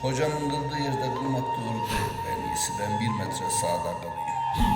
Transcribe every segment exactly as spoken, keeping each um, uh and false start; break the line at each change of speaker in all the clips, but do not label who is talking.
Hocamın kıldığı yerde kılmak doğru değil. En iyisi ben bir metre sağda kalayım.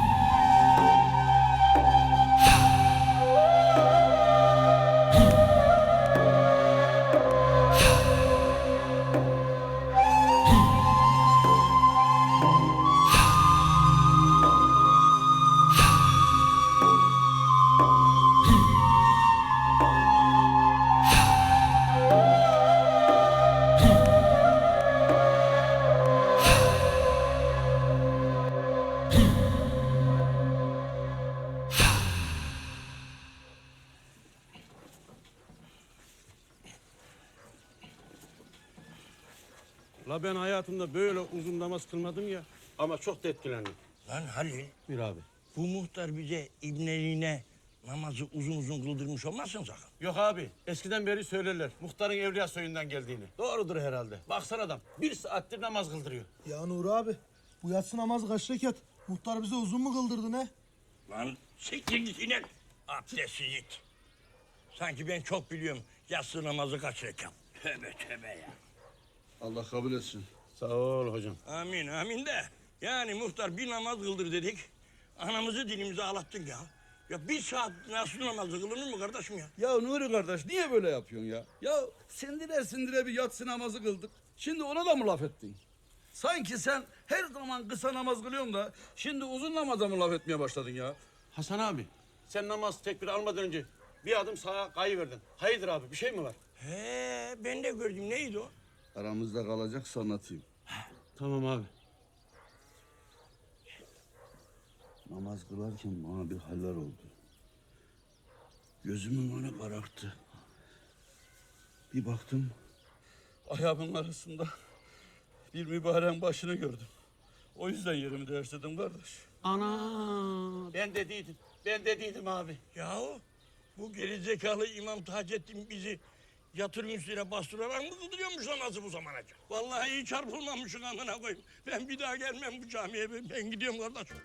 La ben hayatımda böyle uzun namaz kılmadım ya. Ama çok da etkilendim.
Lan Halil,
Bir abi.
bu muhtar bize ibneliğine namazı uzun uzun kıldırmış olmazsın sakın.
Yok abi. Eskiden beri söylerler. Muhtarın Evliya soyundan geldiğini. Doğrudur herhalde. Baksana adam. Bir saattir namaz kıldırıyor.
Ya Nuri abi, bu yatsı namazı kaç rekat? Muhtar bize uzun mu kıldırdı ne?
Lan siktir git inen, abdestsiz it. Sanki ben çok biliyorum yatsı namazı kaç rekat. Tövbe tövbe ya.
Allah kabul etsin.
Sağ ol hocam.
Amin amin de. Yani muhtar bir namaz kıldır dedik. Anamızı dilimize ağlattın ya. Ya bir saat nasıl namazı kılınır mı kardeşim ya?
Ya Nuri kardeş niye böyle yapıyorsun ya? Ya sindire sindire bir yatsı namazı kıldık. Şimdi ona da mı laf ettin? Sanki sen her zaman kısa namaz kılıyorsun da şimdi uzun namaza mı laf etmeye başladın ya?
Hasan abi. Sen namaz tekbir almadan önce bir adım sağa kayıverdin. Hayırdır abi bir şey mi var?
He ben de gördüm neydi o?
Aramızda kalacaksa anlatayım.
Tamam abi.
Namaz kılarken bana bir haller oldu. Gözümün önü kararttı. Bir baktım ayağımın arasında bir mübareğin başını gördüm. O yüzden yerimi değiştirdim kardeş.
Ana. Ben dediydim. Ben dediydim abi.
Yahu bu gerizekalı İmam Taceddin bizi yatırım üstüne bastırarak mı kıldırıyormuş namazı bu zamana kadar? Vallahi iyi çarpılmamışsın amına koyayım. Ben bir daha gelmem bu camiye. Ben, ben gidiyorum kardeş.